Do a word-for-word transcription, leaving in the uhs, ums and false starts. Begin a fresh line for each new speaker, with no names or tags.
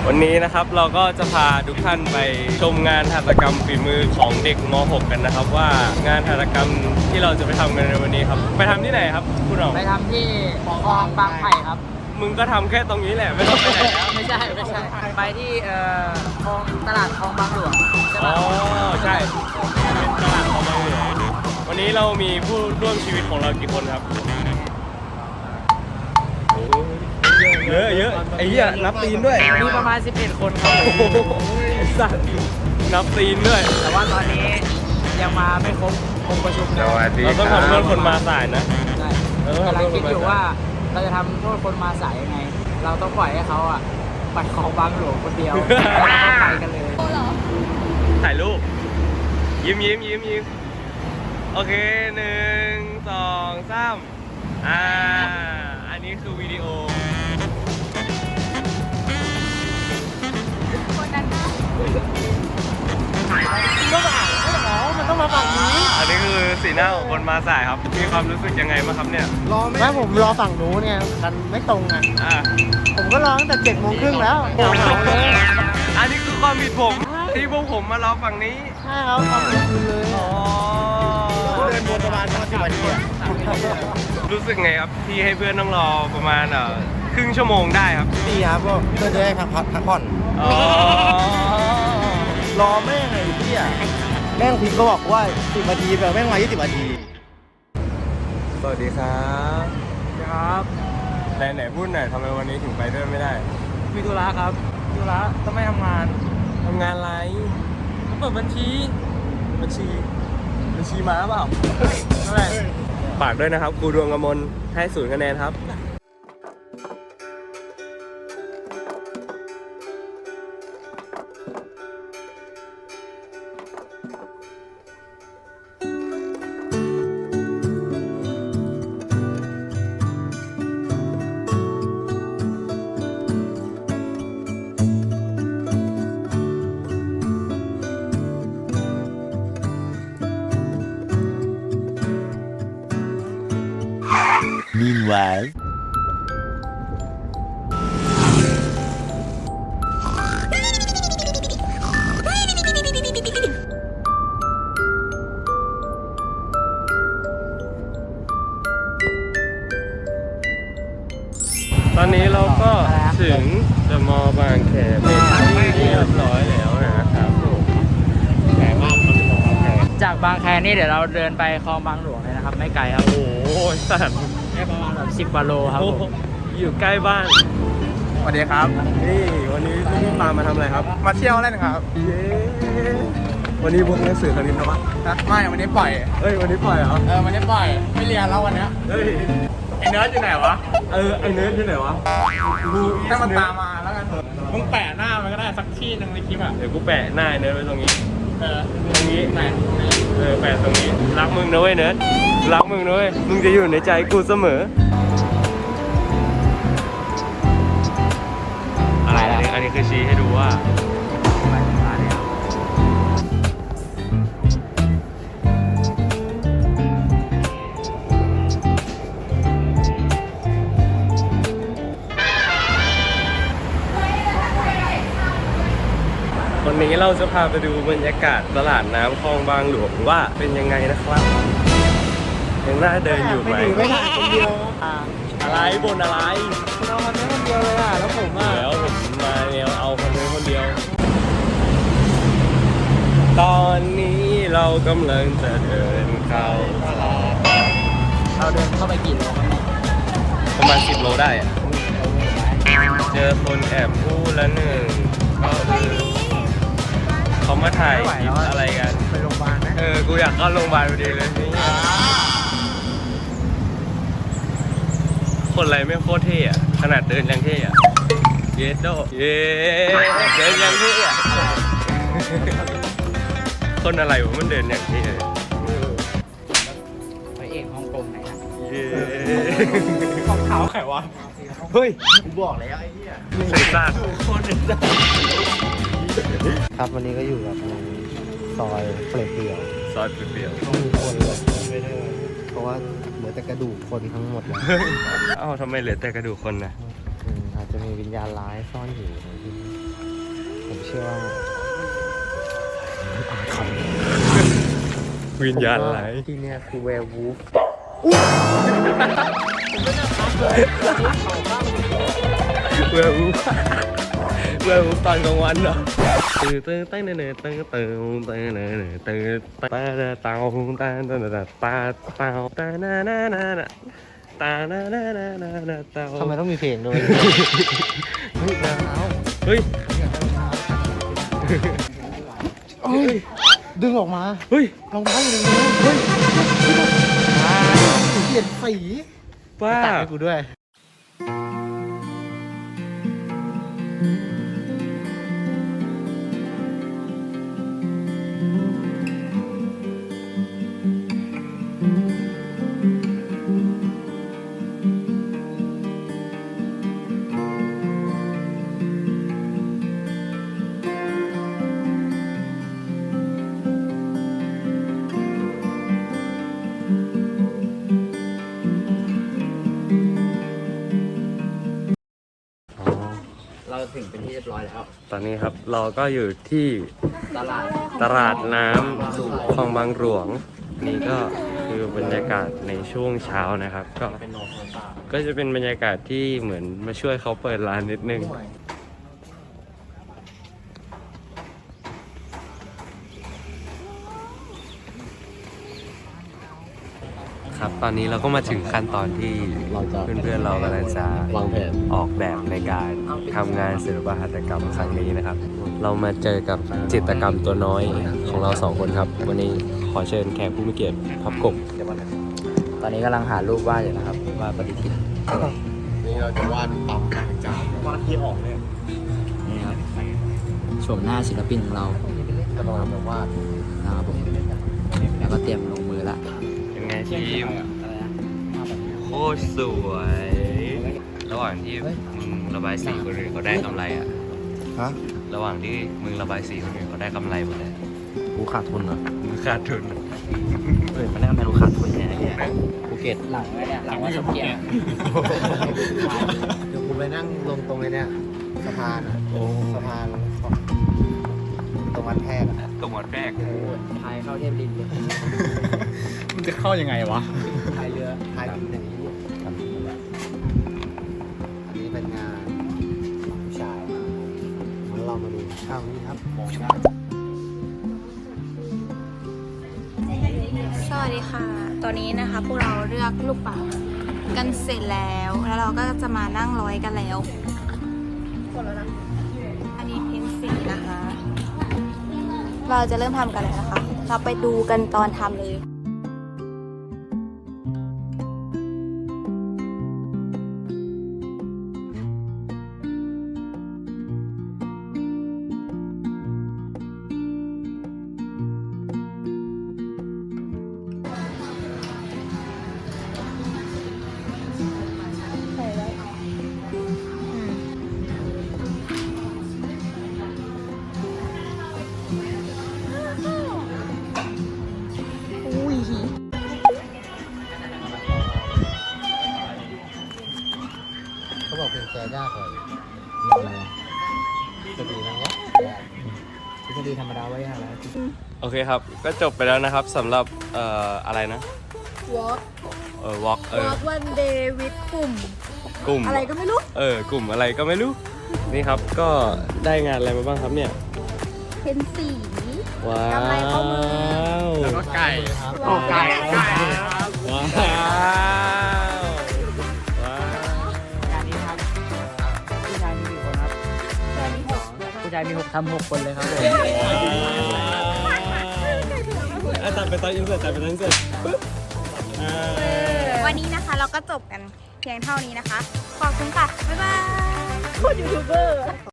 วันนี้นะครับเราก็จะพาทุกท่านไปชมงานหัตถกรรมฝีมือของเด็กม .หก กันนะครับว่างานหัตถกรรมที่เราจะไปทำกันในวันนี้ครับไปทำที่ไหนครับคุณหน่อง
ไปทำที่คลองบางไผ่ครับ
มึงก็ทำแค่ตรงนี้แหละไม่ต้องไปไหนแล้ว
ไม่ใช่ไม่ใช่ไปที่เอ่อคลองตลาดคลองบางหลวงใช่
อ๋
ปะ
อใช่เป็นตลาดคลองบางหลวงวันนี้เรามีผู้ร่วมชีวิตของเรากี่คนครับเยอะเยอะไอ้เหี้ยนับตีนด้วย
มีประมาณสิบเอ็ดคนครับ
สัตว์นับตีนด้วย
แต่ว่าตอนนี้ยังมาไม่ครบองค์ประชุมนะ
เราต้องทำโทษคนมาสายนะ
ใช่กำลังคิดอยู่ว่าเราจะทำโทษคนมาสายยังไงเราต้องปล่อยให้เขาอ่ะไปคลองบางหลวงคนเดียวแล้วก็ไปกันเลย
ถ่ายรูปยิ้มยิ้มยิ้มยิ้มโอเคหนึ่งสองสามอ่าอันนี้คือวิดีโอ
ก็อ่านไม่หรอมันต้องมาฝั่งนี้
อันนี้คือสีหน้าของคนมาสายครับมีความรู้สึกยังไงบ้างครับเนี่ย
รอไม่ผมรอฝั่งนู้นเนี่ยกันไม่ตรงไง
อ่า
ผมก็รอตั้งแต่เจ็ดโมงครึ่งแล้ว
อันนี้คือความผิดผมที่พวกผมมารอฝั่งนี้
ใช่ครับความผิดคุณเลย
อ๋อ
เดินวนประมาณสิบนาที
รู้สึกไงครับที่ให้เพื่อนต้องรอประมาณเอ่อครึ่งชั่วโมงได้ครับ
ดีครับก็เพื่อจะได้พักพักผ่อน
อ๋อ
รอแม่งไงพี่อ่ะแม่งพิมพ์ก็บอกว่าสิบนาทีแบบแม่งมายี่สิบนาที
สวัสดีครับ
ครับ
ไหนไหนพูดหน่อยทำไมวันนี้ถึงไปด้วยไม่ได้
มีธุระครับธุระต้องไม่ทำงาน
ทำงานอะไร
เปิดบัญชี
บัญชีบัญชีม้าเปล่าอะไรฝากด้วยนะครับครูดวงกมลให้ศูนย์คะแนนครับ
Meanwhile
ตอนนี้เราก็ถึงเดอะมอลล์บางแคเป็นที่เรียบร้อยแล้วนะครับแข็งมาก
จากบางแคนี่เดี๋ยวเราเดินไปคลองบางหลวงเลยนะครับไม่ไกลครับ
โอ้โหสัตว์
แค่ประมาณแบบสิบกว่าโลครับ
อยู่ใกล้บ้าน
สวัสดีครับ
นี่วันนี้พี่พามาทำอะไรครับ
มาเที่ยวเล่นครับ
เย้วันนี้พวกหนังสือคณิตนะวะ
ไม่วันนี้ปล่อย
เอ้ยวันนี้ปล่อยเหรอ
เออวันนี้ปล่อยไม่เรียนแล้ววันนี้
เฮ้ย
ไอเนิร์ดอยู่ไหนวะ
เออไอเนิร์ดอยู่ไหนวะ
ดูถ้ามันตามมาแล้วกันมึงแปะหน้ามันก็ได้สักที่หนึ่งในคลิปอ่ะ
เดี๋ยวกูแปะหน้าเนิร์ดไว้ตรงนี้
เออ
ตรงนี้
ไหน
เออแปะตรงนี้รักมึงนะเว้ยเนิร์ดรักมึงนะเว้ยมึงจะอยู่ในใจกูเสมออะไรอันนี้อันนี้คือชี้ให้ดูว่าวันนี้เราจะพาไปดูบรรยากาศตลาดน้ำคลองบางหลวงว่าเป็นยังไงนะครับยังน่าเดินอยู่ไหม
ไม่ถ่ายคนเดียว
อะไรบนอะไร
เราคนนี้คนเดียวเลยอ่ะแล้วผมอ่ะ
แล้วผมมาแนวเอาคนนี้คนเดียวตอนนี้เรากำลังจะเดินเข้าตลาด
เราเดินเข้าไปกี่โล
ประมาณสิบโลได้อะเจอคนแอบพูดแล้วหนึ่งก็คือเขามาถ่ายคลิปอะไรกัน
ไปโรงพยาบาลนะ
เออกูอยากเข้าโรงพยาบาลพอดีเลยนี่คนอะไรไม่โคตรเท่อะขนาดเดินยังเท่อะเยสโดเยสเดินยังเท่อะคนอะไรวะมันเดินอย่างเท่
ไปเอกฮ่องกงไหนนะ
เย้
รองเท้าใครวะ
เฮ้ย
กูบอกแล้วไอ้เหี้ย
ใส่ซากคน
ครับวันนี้ก็อยู่กับซอยเปลี่ยว
ซอยเปลี่ยว
มีคนเลยเพราะว่าเหลือแต่กระดูกคนทั้งหมดแล้ว
เอ้าทำไมเหลือแต่กระดูกคนนะ
อาจจะมีวิญญาณร้ายซ่อนอยู่
ชื่อว่า
วิญญาณอะไร
ที่เนี่ยคือแวร์วูฟ
เวอร์วูเวอร์วูตอนกลางวันเหรอตื่นตื่นตื่นตื่นตื่นตื่นตื่นตื่นตื่นตาตาตาตาตาตาตาตานานานาตานานานานาตา
ทำไมต้องมีเพลงด้วย
เฮ้ยเฮ้ย
เอ้ยดึงออกมา
เฮ้ย
รองเท้าอยู่ในนี้เฮ้ยเปลี่ยนสี
ป้า
ตัดให้กูด้วย
เราถึงเป็นที่เรียบร้อยแล้ว
ตอนนี้ครับเราก็อยู่ที่
ตลาด
ตลาดน้ำคลองบางหลวง นี่ก็คือบรรยากาศในช่วงเช้านะครับ ก็ก็จะเป็นบรรยากาศที่เหมือนมาช่วยเขาเปิดร้านนิดนึง ครับตอนนี้เราก็มาถึงขั้นตอนที่เพื่อนๆเรากำลังจะ
วางแผน
ออกแบบในการทำงานศิลปหัตถกรรมครั้งนี้นะครับ เรามาเจอกับจิตรกรรมตัวน้อยของเราสองคนครับ วันนี้ขอเชิญแขกผู้มีเกียรติพับกบ
ตอนนี้กำลังหารูปวาดอยู่นะครับว่าปฏิทิน
นี่เราจะวาดปั๊มต่างจากวาดที่ออกเนี่ย
นี่ครับโฉมหน้าศิลปินของเรา
จะลองแบบวาด
นะครับผมแล้วก็เตรียมลงมือละ
เป็นไงทีมโคตรสวย ระหว่างที่มึงระบายสีคนอื่นเขาได้กำไรอะ
ฮะ
ระหว่างที่มึงระบายสีคนอื่นเขาได้กำไรหมดเลย
กูขาดทุนเหรอ
มึงขาดทุน
เฮ้ยมันได้กำไรกูขาดทุนแน่เนี่ยภูเก็ต
หลังไว้เนี่ยหลังว่าสเกียร์
เดี๋ยวกูไปนั่งลงตรงไอ้เนี่ยสะพานอ่ะสะพานตรงวัดแพรกอ่ะ
ตรงวัดแรก
พายเข้าเทียบรินเลย
มันจะเข้ายังไงวะ
พายเรือ
พายดินอย่างนี้อันนี้เป็นงานผู้ชายงั้นเรามาดูข้าวนี้ครับมองหน้า
สวัสดีค่ะ ตอนนี้นะคะพวกเราเลือกลูกปัดกันเสร็จแล้ว แล้วเราก็จะมานั่งร้อยกันแล้วหมดแล้วนะ อันนี้เพ้นสีนะคะ เราจะเริ่มทำกันแล้วนะคะ เราไปดูกันตอนทำเลย ใส่ไว้อืมอุ้ย
เขาบอกเป็นแกยากเลยจะดีนะเนี่ย
ทฤษฎีธรรมดาไว้ยากแล้ว
โอเคครับ ก็จบไปแล้วนะครับสำหรับเอ่ออะไรนะ
walk
เออวอล์กเออ
walk one day with กลุ่ม
กลุ่ม
อะไรก็ไม่รู้
เออกลุ่มอะไรก็ไม่รู้ นี่ครับก็ได้งานอะไรมาบ้างครับเนี่ย
เพ้นสี
ว้าว
กำไรข้อมือ
แล้วก็ไก่
ครับ
โอ้ไก่ไก่
ว้าวว้าว
งานนี้ครับผู้ชายมีกี่คนครับผู้ชายมีหกทำหกคนเลยครับผม
อ่ะตัดไปตอนอินเสิร์ตตัดไปตอนอินเสิร์ตปึ๊บอ่า
วันนี้นะคะเราก็จบกันเพียงเท่านี้นะคะ ขอบคุณค่ะ บ๊ายบายพูดยูทูบเบอร์